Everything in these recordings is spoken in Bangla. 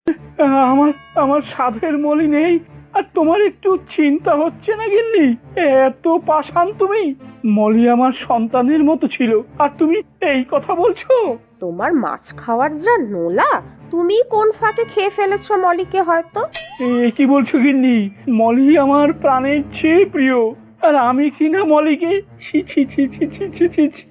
আমার আমার সাধের মলি নেই, আর তোমার একটু চিন্তা হচ্ছে না গিন্নি? এত পাষাণ তুমি! মলি আমার সন্তানের মতো ছিল, আর তুমি এই কথা বলছো? তোমার মাছ খাওয়ার যা নোলা, তুমি কোন ফাঁকে খেয়ে ফেলেছো মলিকে হয়তো। কি বলছো গিন্নি? মলি আমার প্রাণের চেয়ে প্রিয়, আর আমি কিনা মলিকে ছি ছি ছি ছি ছি ছি ছি ছি।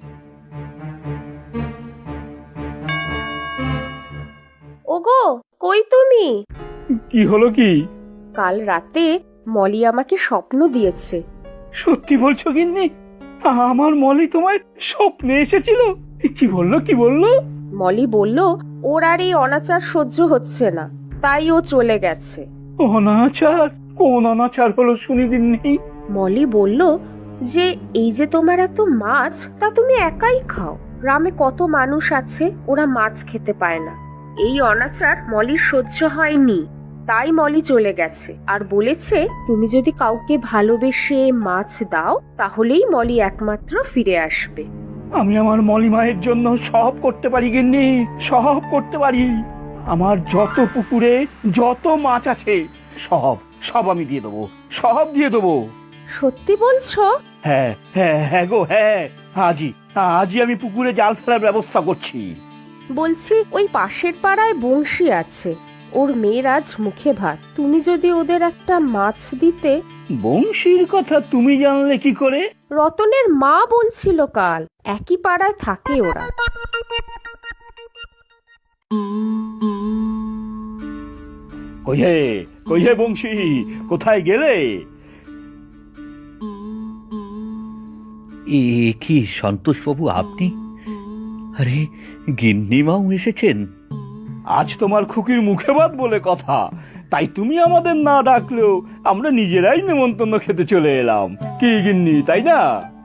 ওগো, কই তুমি? কি হলো কি? কাল রাতে মলি আমাকে স্বপ্ন দিয়েছে। সত্যি বলছো গিন্নি? আমার মলি তোমায় স্বপ্নে এসেছিল? কি বললো কি বললো? মলি বলল ওর আর এই অনাচার সহ্য হচ্ছে না, তাই ও চলে গেছে। অনাচার? কোন অনাচার হলো শুনি গিন্নি? মলি বলল যে এই যে তোমার এত মাছ, তা তুমি একাই খাও, গ্রামে কত মানুষ আছে ওরা মাছ খেতে পায় না। এই অনাচার মলির সহ্য হয়নি, তাই মলি চলে গেছে, আর বলেছে তুমি যদি কাউকে ভালোবেসে মাছ দাও তাহলেই মলি একমাত্র ফিরে আসবে। আমি আমার মলি মায়ের জন্য সব করতে পারি গিন্নি, সব করতে পারি। আমার যত পুকুরে যত মাছ আছে সব সব আমি দিয়ে দেবো, সব দিয়ে দেবো। সত্যি বলছো? হ্যাঁ হ্যাঁ হ্যাঁ গো হ্যাঁ, আজই আজই আমি পুকুরে জাল ফেলার ব্যবস্থা করছি। বলছি ওই পাশের পাড়ায় বংশী আছে, ওর মেয়ের আজ মুখে ভাত, তুমি যদি ওদের একটা মাছ দিতে। বংশীর কথা তুমি জানলে কি করে? রতনের মা বলছিল কাল, একই পাড়ায় থাকে ওরা। কইহে কইহে বংশী, কোথায় গেলে? এ কি সন্তোষবাবু, আপনি? আরে, গিন্নিমাও এসেছেন? আজ তোমার খুকির মুখে ভাত বলে কথা, তাই তুমি আমাদের না ডাকলেও আমরা নিজেরাই নেমন্তন্ন খেতে চলে এলাম। কি গিন্নি, তাই না?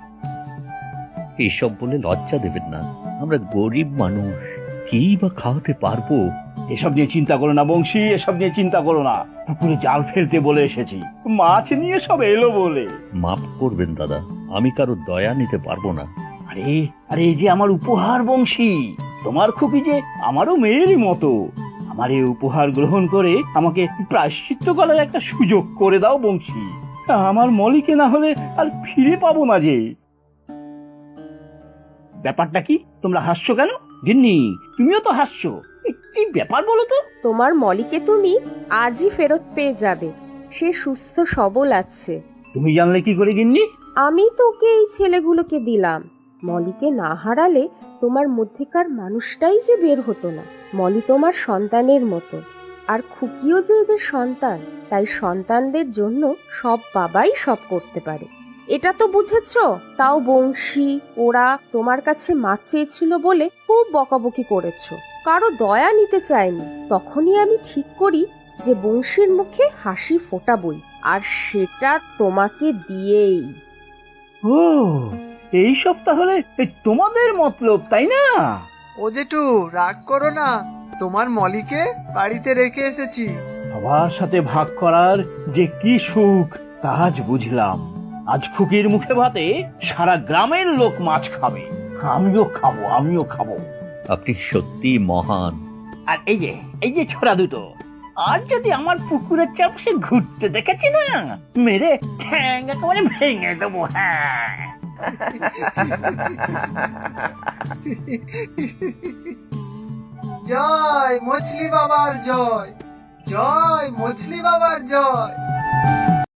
এসব বলে লজ্জা দেবেন না, আমরা গরিব মানুষ, কি বা খাওয়াতে পারবো? এসব নিয়ে চিন্তা করো না বংশী, এসব নিয়ে চিন্তা করো না। পুকুরে জাল ফেলতে বলে এসেছি, মাছ নিয়ে সব এলো বলে। মাফ করবেন দাদা, আমি কারো দয়া নিতে পারবো না। আরে আরে, এই যে আমার উপহার বংশী, তোমার খুকি যে আমারও মেয়েরই মতো। আমার এই উপহার গ্রহণ করে আমাকে প্রায়শ্চিত্ত করার একটা সুযোগ করে দাও বংশী। আমার মলিকে না হলে আর ফিরে পাবো না যে। ব্যাপারটা কি? তোমরা হাসছো কেন? গিন্নি, তুমিও তো হাসছো। কি ব্যাপার বলো তো? তোমার মলিকে তুমি আজই ফেরত পেয়ে যাবে, সে সুস্থ সবল আছে। তুমি জানলে কি করে গিন্নি? আমি তোকে এই ছেলেগুলোকে দিলাম, মলিকে না হারালে তোমার মধ্যেকার মানুষটাই যে বের হতো না। মলি তোমার সন্তানের মতো, আর খুকিও যে এদের সন্তান, তাই সন্তানদের জন্য সব বাবাই সব করতে পারে। এটা তো বুঝেছো? তাও বংশী ওরা তোমার কাছে মাছ চেয়েছিল বলে খুব বকাবকি করেছো, কারো দয়া নিতে চায়নি। তখনই আমি ঠিক করি যে বংশীর মুখে হাসি ফোটাবই, আর সেটা তোমাকে দিয়েই। ও, এই সব তাহলে তোমাদের মতলব, তাই না? ও জেঠু, রাগ করো না, তোমার মলিকে বাড়িতে রেখে এসেছি। সবার সাথে ভাগ করার যে কি সুখ তা আজ বুঝলাম। আজ খুকির মুখে ভাতে সারা গ্রামের লোক মাছ খাবে, আমিও খাবো, আমিও খাবো। আপনি সত্যি মহান। আর এই যে ছোড়া দুটো, আর যদি আমার পুকুরের চারপাশে ঘুরতে দেখেছি না, মেরে ঠ্যাং একেবারে ভেঙে দেবো। হ্যাঁ, জয় মছলি বাবার জয়, জয় মছলি বাবার জয়।